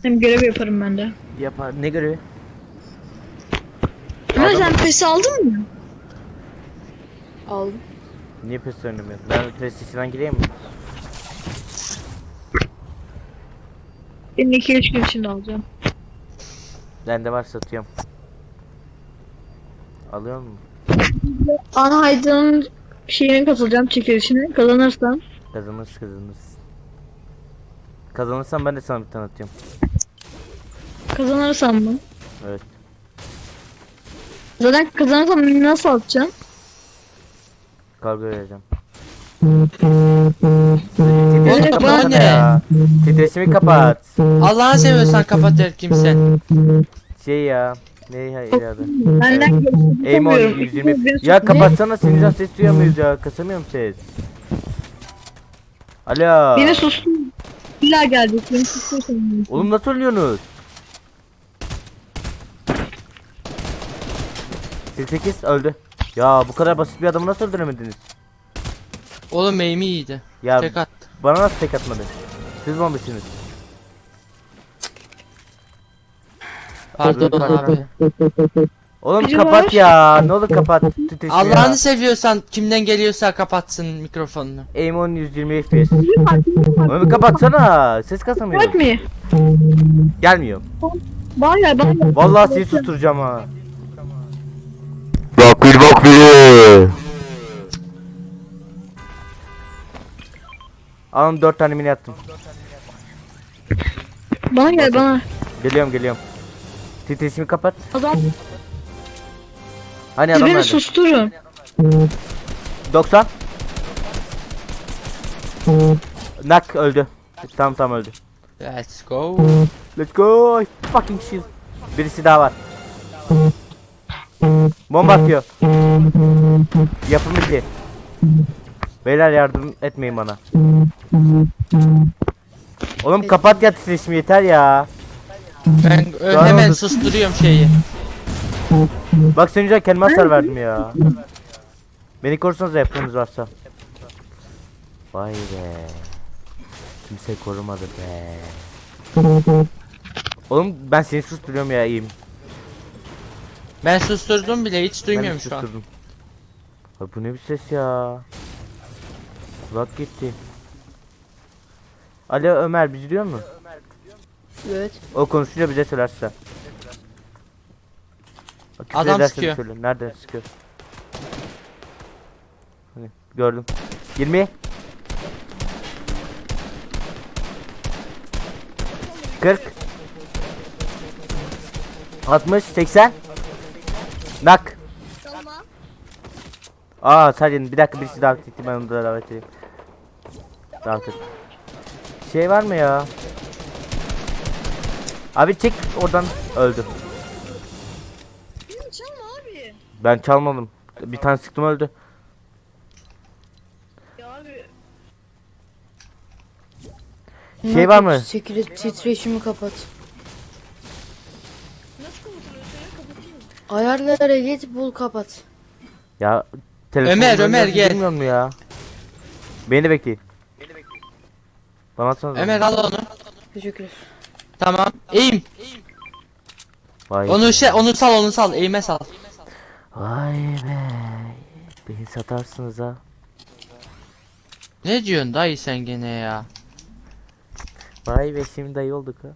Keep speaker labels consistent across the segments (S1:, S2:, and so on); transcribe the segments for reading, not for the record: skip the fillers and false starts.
S1: Hem görev yaparım ben de.
S2: Yapar. Ne görevi?
S1: Ama
S2: Adam-
S1: sen pes aldın mı?
S3: Aldım.
S2: Niye PES oynamıyorsun? Ben PlayStation'dan gireyim mi?
S1: Benim 2-3 gün içinde alacağım.
S2: Bende var, satıyorum. Alıyor musun?
S1: Ana Aydın'ın şeyine katılacağım, çekilişine. Kazanırsam.
S2: Kazanırız. Kazanırsam ben de sana bir tane atıyorum.
S1: Kazanırsam mı?
S2: Evet.
S1: Zaten kazanırsam nasıl atacağım?
S2: Kargo vereceğim.
S3: Oğlum,
S2: Titreşimi
S1: bana
S2: kapatsana
S3: ne?
S2: ya. Titreşimi kapat.
S3: Allah'ını seviyorsan kapat her kimse.
S2: Şey ya. Ne ya adı?
S1: Benden görüşürüz.
S2: Aimon 120. Ya kapatsana, senin yüzünden ses duyamıyoruz ya. Kasamıyorum ses. Alo.
S1: Beni sustun. İlla gelecek. Beni sustursun.
S2: Oğlum nasıl ölüyorsunuz? 48 öldü. Ya bu kadar basit bir adamı nasıl öldüremediniz?
S3: Oğlum aim'i iyiydi.
S2: Ya
S3: Tek at.
S2: bana nasıl tek atmadı? Siz bombasınız.
S3: Pardon abi.
S2: Oğlum
S1: Biri
S2: kapat
S1: var.
S2: ya. Ne olur kapat. Titreşimi
S3: Allah'ını
S2: ya.
S3: seviyorsan kimden geliyorsa kapatsın mikrofonunu.
S2: Aimon 120 FPS. Oğlum kapatsana. Ses kasamıyor.
S1: Bak mı?
S2: Gelmiyor.
S1: Var ya ben.
S2: Vallahi seni susturacağım ha.
S4: Bak bir.
S2: Alın 4 tane mini attım.
S1: Bana gel bana.
S2: Geliyorum. Titreşimi kapat.
S1: Adam
S2: Hani
S1: siz
S2: adam
S1: beni
S2: nerede?
S1: susturun.
S2: 90. Nak öldü. Tam öldü.
S3: Let's go.
S2: Let's go. Fucking shit. Birisi daha var. Bomba atıyor. Yapım 2. Beyler yardım etmeyin bana. Oğlum kapat ya, titreşimi yeter ya.
S3: Ben
S2: Daha
S3: hemen
S2: oldu.
S3: susturuyorum şeyi.
S2: Bak senin yüzünden kendime hasar verdim ya. Beni korusanız yaptığınız varsa. Vay be. Kimse korumadı be. Oğlum ben seni susturuyorum ya, iyiyim.
S3: Ben susturdum bile hiç
S2: Ben
S3: duymuyorum
S2: de
S3: şu an.
S2: susturdum. Abi bu ne bir ses ya. Kulak gitti. Alo Ömer, bizi duyuyor musun?
S3: Evet.
S2: O konuşunca bize söylerse. Bak, küfür
S3: Adam
S2: ederse
S3: sıkıyor.
S2: söyle. Nerede sıkıyor? Hani gördüm. 20. 40. 60. 80. Nak. Aa sadece bir dakika, birisi davet etti, ben onu da davet edeyim. Davet et. Şey var mı ya? Abi çek oradan, öldü.
S1: Çalma abi.
S2: Ben çalmadım. Bir tane sıktım, öldü.
S1: Ya abi.
S2: Şey var mı?
S5: Titreşimi kapat.
S1: Nasıl kapatılıyorsa ya kapatayım.
S5: Ayarlara git bul kapat.
S2: Ya telefon
S3: Ömer, gel.
S2: Bilmiyor mu ya? Beni de bekleyin. Bana atsana.
S3: Ömer al onu.
S5: Teşekkür ederim.
S3: Tamam. Aim.
S2: Vay.
S3: Onu sal. Aim'e sal.
S2: Vay be. Beni satarsınız ha.
S3: Ne diyorsun dayı sen gene ya?
S2: Vay be, şimdi dayı olduk ha.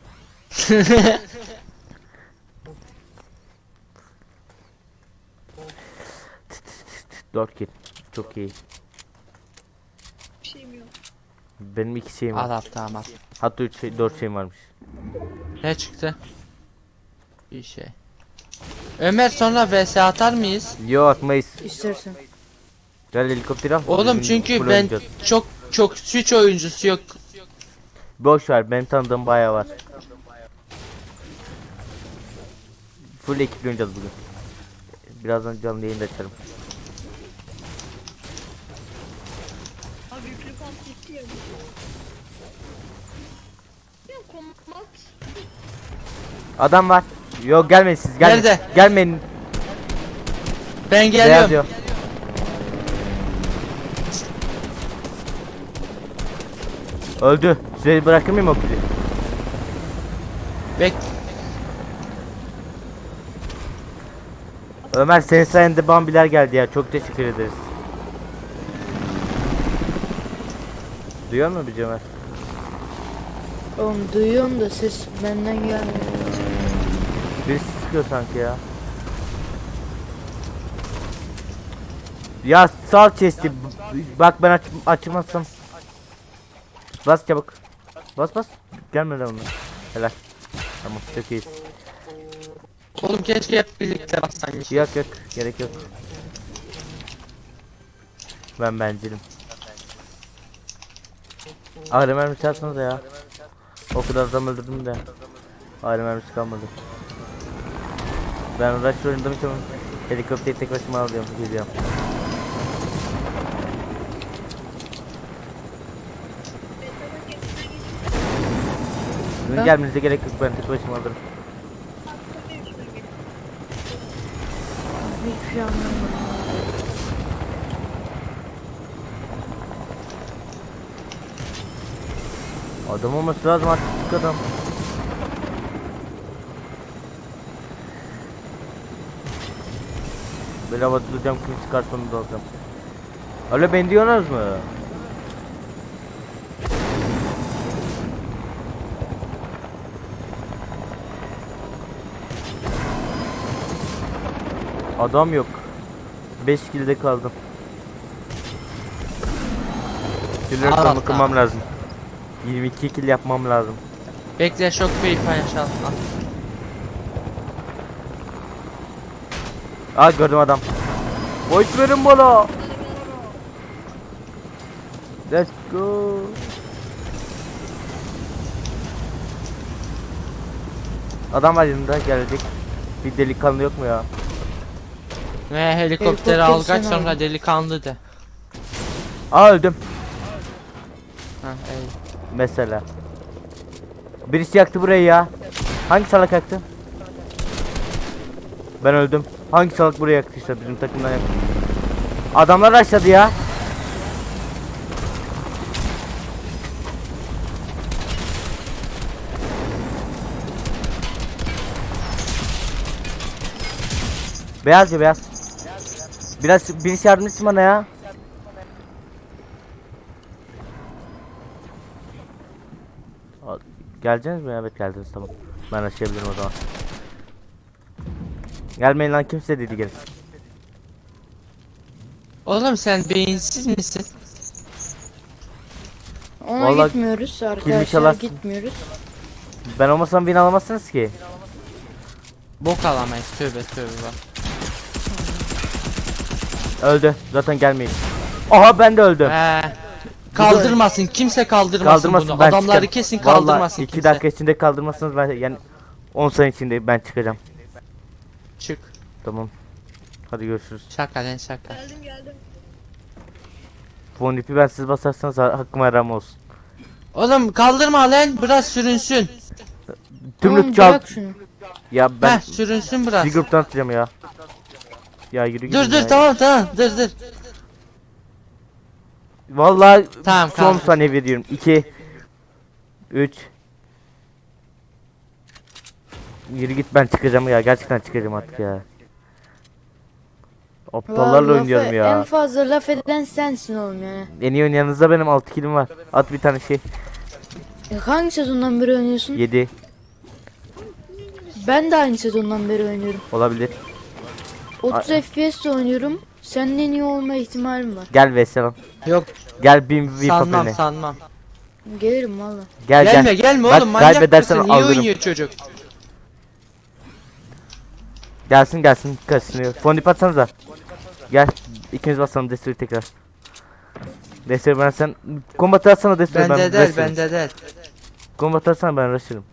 S2: Dört kill. Çok iyi.
S1: Bir şeyim yok.
S2: Benim 2 şeyim var.
S3: Al tamam.
S2: Hatta 3 şey, 4 şeyim varmış.
S3: Ne çıktı? Bir şey. Ömer sonra vs atar mıyız?
S2: Yo, atmayız.
S5: İstersen.
S2: Gel helikopteri al.
S3: Oğlum
S2: Bizim
S3: çünkü
S2: full
S3: ben
S2: oynayacağız.
S3: çok Switch oyuncusu yok.
S2: Boş ver, benim tanıdığım bayağı var. Full ekiple oynayacağız bugün. Birazdan canlı yayında açarım.
S1: Abi yüklü pant gitti ya. Ya kombat.
S2: Adam var. Yok gelmeyin siz, gelmeyin.
S3: Nerede?
S2: Gelmeyin.
S3: Ben
S2: Beyaz
S3: geliyorum.
S2: diyor. Öldü. Size bırakır mıyım o kili?
S3: Bek
S2: Ömer senin sayende bambiler geldi ya. Çok teşekkür ederiz. Duyuyor musun bir Ömer?
S5: Oğlum duyuyorum da ses benden gelmiyor.
S2: Birisi sıkıyor sanki ya. Ya sal chest'i. Bak ben açmazsam. Bas çabuk. Bas bas. Gelmeden onu. Helal. Tamam çok iyi.
S3: oğlum keşke hep birlikte bassaymış.
S2: Yok yok gerek yok. Ben bencilim. Ağrı mermisi atsanıza ya. O kadar adam öldürdüm de. Ağrı mermisi kalmadı. Ben rush oynadım için helikopteri tek başıma alıyorum geliyorum. Sizin
S5: Ha?
S2: gelmenize gerek yok, ben tek başıma alırım.
S5: Hiçbir şey anlamadım.
S2: Adam olması lazım artık adam. Böyle havada duracağım, kim çıkar sonunda alacağım. Öyle ben diyorsunuz mu? Adam yok. 5 kilde kaldım. Killer
S3: Allah
S2: rekorunu
S3: Allah.
S2: kırmam lazım. 22 kill yapmam lazım.
S3: Bekle şok bir paylaşalım.
S2: Aa gördüm adam. Boş verin bana. Let's go. Adam var yanında gelecek. Bir delikanlı yok mu ya?
S3: Ve helikopteri
S5: Helikopter
S3: al kaç
S5: sen
S3: sonra
S5: al.
S3: delikanlı de.
S2: Aa öldüm.
S3: Ha iyi.
S2: Mesela. Birisi yaktı burayı ya. Hangi salak yaktı? Ben öldüm. Hangi salak buraya yaktıysa bizim takımdan yaktı. Adamlar aşağıda ya. Beyaz ya beyaz. Biraz birisi yardım etsin bana ya. Geleceksiniz mi? Evet geldiniz, tamam. Ben açabilirim o zaman. Gelmeyin lan, kimse dedi gelin.
S3: Oğlum sen beyinsiz misin?
S5: Ona
S2: Vallahi
S5: gitmiyoruz arkadaşlar,
S2: çalarsın.
S5: gitmiyoruz.
S2: Ben olmasam win alamazsınız ki.
S3: Bok alamayız tövbe tövbe bak.
S2: Öldü. Zaten gelmeyin. Aha ben de öldüm.
S3: Kaldırmasın kimse kaldırmasın,
S2: Kaldırmasın,
S3: bunu.
S2: ben
S3: Adamları
S2: çıkarım.
S3: kesin
S2: Vallahi
S3: kaldırmasın
S2: 2
S3: kimse.
S2: dakika içinde kaldırmazsanız ben yani 10 saniye içinde ben çıkacağım.
S3: Çık.
S2: Tamam. Hadi görüşürüz.
S3: Şaka lan şaka.
S1: Geldim.
S2: Fon ipi ben siz basarsanız hakkıma haram olsun.
S3: Oğlum kaldırma lan biraz sürünsün.
S5: Oğlum
S2: Tümlük çal.
S5: bırak şunu.
S2: Ya ben
S3: Sürünsün biraz.
S2: bir gruptan atacağım ya. Ya yürü gidin
S3: Dur
S2: ya.
S3: tamam dur.
S2: Vallahi
S3: Tamam,
S2: son
S3: kaldır.
S2: saniye veriyorum. 2 3 Yürü git, ben çıkacağım ya. Gerçekten çıkacağım artık ya. Aptallarla
S5: Vallahi
S2: oynuyorum
S5: En
S2: ya.
S5: fazla laf eden sensin oğlum yani.
S2: En iyi oynayanınızda benim 6 killim var. At bir tane şey.
S5: Hangi sezondan beri oynuyorsun?
S2: 7
S5: Ben de aynı sezondan beri oynuyorum.
S2: olabilir.
S5: 30 FPS de oynuyorum. Senin en iyi olma ihtimalim var.
S2: Gel Veselam.
S3: Yok
S2: Gel bin bir
S3: sanmam
S2: papeline.
S3: sanmam.
S5: Gelirim valla.
S2: Gel
S3: Gelme
S2: gel.
S3: gelme
S2: Bak,
S3: oğlum manyak
S2: kaybedersen
S3: mısın? İyi
S2: alırım.
S3: oynuyor çocuk.
S2: Gelsin kaçınıyor. Fondip atsanıza. Gel. İkimiz basalım desteği tekrar. Desteği ben sen kombat atsana desteği ben.
S3: Bende del
S2: rush'larım.
S3: bende del.
S2: Kombat atsana ben rush'larım.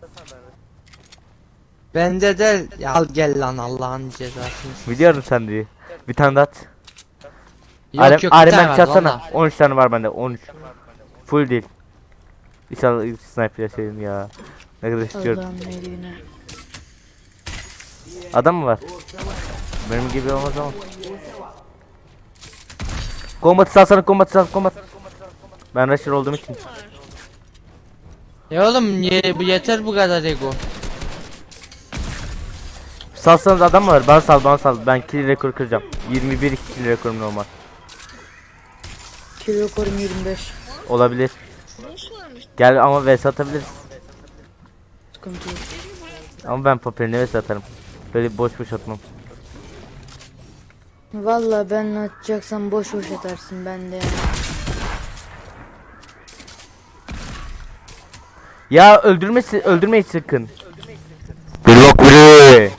S3: Bende del. Ya al gel lan Allah'ın cezasını.
S2: Biliyorum sen diye. Bir tane daha at.
S3: Yok yok bir
S2: Arem
S3: tane var
S2: çatsana.
S3: valla.
S2: 13 tane var bende. 13. Full değil. İnşallah ilk sniper yaşayayım ya. Ne kadar istiyorum.
S5: Allah'ım neydi yine.
S2: Adam mı var? Benim gibi olmaz ama. Kombatı salsana, kombatı sal, kombat. Ben rusher olduğum için.
S3: Ya oğlum bu yeter bu kadar ego.
S2: Salsanız adam mı var? Bana sal. Ben kill rekoru kıracağım. 21 kill rekorum normal.
S5: Kilo korum 25.
S2: Olabilir.
S1: Boss varmış.
S2: Gel ama vs atabiliriz.
S5: Sıkıntı yok.
S2: Ama ben papeline vs atarım. Böyle boş boş atmam.
S5: Valla ben atacaksam boş boş atarsın ben de yani.
S2: Ya öldürmeyin sakın. Blok biri.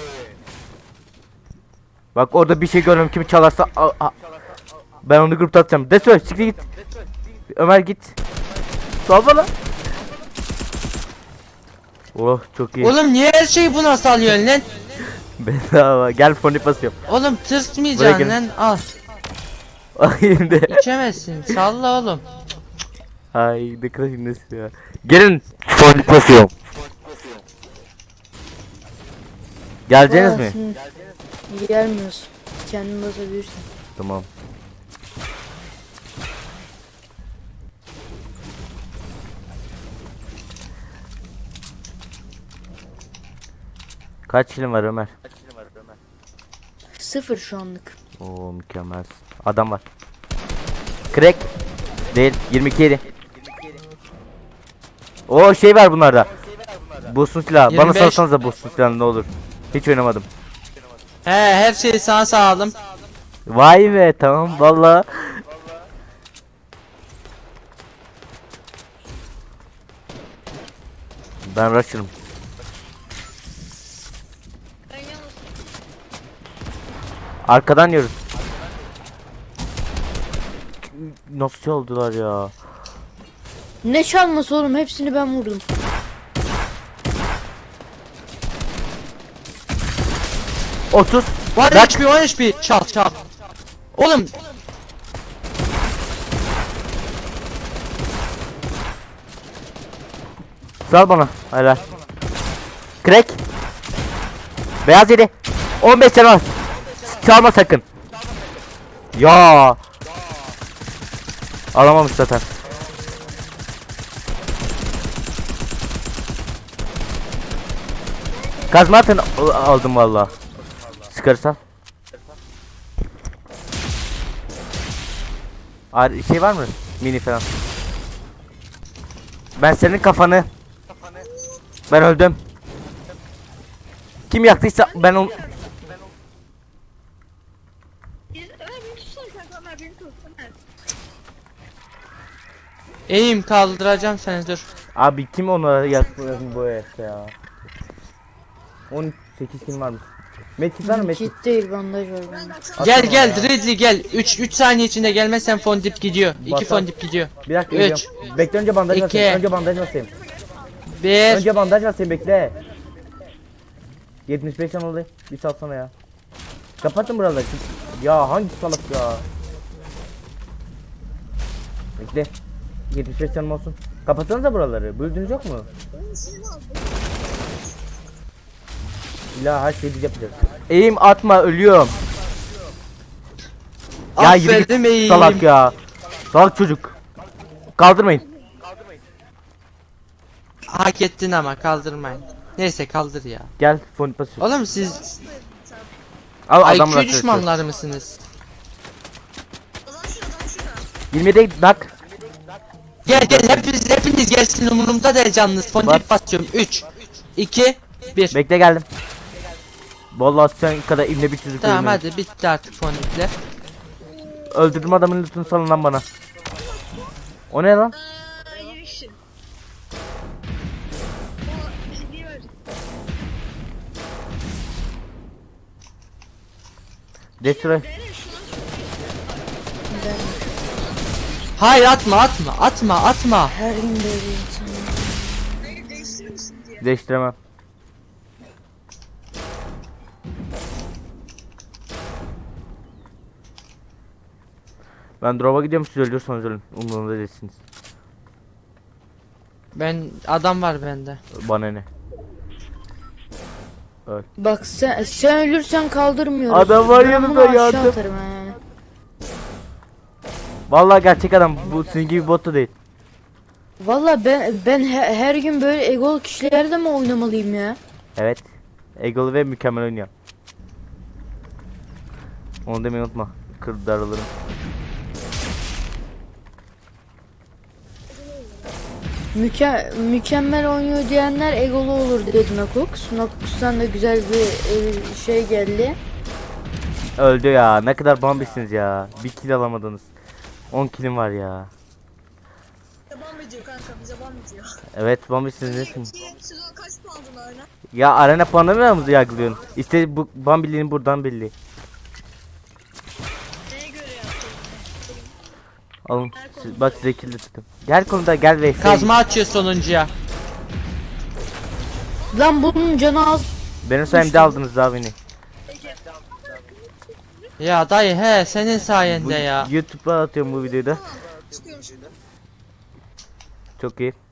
S2: Bak orada bir şey görüyorum, kimi çalarsa ben onu grupta atacağım. Destroy siktir git. Ömer git. Sal bana. Oh çok iyi.
S3: Oğlum niye her şeyi buna salıyorsun lan?
S2: Bedava. Gel foni basıyorum.
S3: Oğlum
S2: Buraya
S3: tırsmayacaksın
S2: gel.
S3: lan, al.
S2: Şimdi.
S3: İçemezsin, salla oğlum.
S2: Ay ne kadar şimdi ya. Gelin. Foni basıyorum. Geleceğiniz mi?
S5: Gelmiyoruz. Kendin basabilirsin.
S2: Tamam. Kaç kilim var Ömer?
S5: 0 şu anlık.
S2: Oo mükemmel. Adam var. Crack. Değil. 22 yedi. O şey var bunlarda. Boost'un silahı. Bana
S3: 25.
S2: salsanıza boost'un silahını ne olur. Hiç oynamadım.
S3: He, her şeyi sana sağladım.
S2: Vay be tamam valla. Ben rush'ım.
S1: Ben yalnız
S2: Arkadan yiyoruz. Nasıl oldular ya?
S5: Ne çalması oğlum, hepsini ben vurdum.
S2: Otuz.
S3: Var
S2: Bak.
S3: HP, 10 HP, çal. Oğlum
S2: Sal bana. Helal. Crack. Beyaz yedi. 15 canı var. Çalma sakın. Ya. Alamamış zaten. Kazma atın aldım valla. Sıkarsan. Şey var mı? Mini falan. Ben senin kafanı. Ben öldüm. Kim yaktıysa ben onu.
S1: Ömer beni tutsana kanka, Ömer beni tut. Ömer.
S3: eğim kaldıracağım seni, dur.
S2: Abi kim onu yaktı bu herif ya? 18 kim varmış? Metin var mı Metin?
S5: Kit değil, bandaj var bende.
S3: Gel Ridley gel. 3 saniye içinde gelmezsen fondip gidiyor. 2
S2: Basan.
S3: fondip gidiyor.
S2: Bir dakika
S3: Üç.
S2: geliyorum. Bekle önce bandaj
S3: İki.
S2: basayım. Önce bandaj basayım.
S3: 1
S2: Önce bandaj basayım bekle. 75 can oldu. Bir salsana ya. Kapatın buraları. Ya hangi salak ya? Bekle. 75 canım olsun. Kapatsanıza buraları. Böldüğünüz yok mu? İlla her şeyi biz yapacağız. Eğim atma ölüyorum. Ya yürü git
S3: Aferin eğim.
S2: salak ya. Salak çocuk. Kaldırmayın.
S3: Hak ettin ama kaldırmayın. Neyse kaldır ya.
S2: Gel fon basıyor.
S3: Oğlum siz
S2: Al adamla
S3: IQ düşmanları mısınız?
S1: Adam şurada.
S2: 27 bak.
S3: Gel hepiniz gelsin, umurumda değil canınız. Fondip basıyorum. 3 2 1.
S2: Bekle geldim. Vallahi sen kadar imle bir çocuk
S3: Tamam
S2: öldürmedim.
S3: hadi bitti artık fondipler.
S2: Öldürdüm adamın lootunu salın lan bana. O ne lan?
S1: Yürü kişi. O hediye ver.
S2: Destroy.
S1: Beyler şuna
S3: Hayır atma.
S5: Her gün böyle insan.
S1: değiştirir misin diye.
S2: Değiştiremem. Ben drop'a gidiyorum, siz ölüyorsanız ölün. Umurumda değilsiniz.
S3: Ben adam var bende.
S2: Bana ne?
S5: Bak sen ölürsen kaldırmıyoruz.
S2: Adam var
S5: Ben
S2: yanında,
S5: bunu aşağı
S2: yardım.
S5: atarım yani.
S2: Vallahi gerçek adam, bu sizin gibi bot da değil.
S5: Valla ben her gün böyle egol kişilerle mi oynamalıyım ya?
S2: Evet. Egolu ve mükemmel oynuyor. Onu demeyi unutma. Kır darılırım.
S5: Mükemmel oynuyor diyenler egolu olur dedi Nakux. Nakux'tan da güzel bir şey geldi.
S2: Öldü ya. Ne kadar bambisiniz ya. Bir kill alamadınız. 10 killim var ya.
S1: Bize ban ediyor kanka, bize ban ediyor.
S2: Evet bambisiniz nesin?
S1: Sezon kaç puanın oyna?
S2: Ya arena puanlamıyor musun yargılıyorsun? İşte bu bambiliğin buradan belli.
S1: Neye göre yaptın?
S2: Alın. Bak size kill de tuttum. Gel konuda gel ve
S3: Kazma açıyor sonuncuya.
S5: Lan bunun canı az.
S2: Benim sayemde aldınız daha beni.
S3: Ya dayı he senin
S2: Bu,
S3: sayende ya.
S2: YouTube'a atıyorum bu videoyu da.
S1: Çıkıyormuş.
S2: Çok iyi.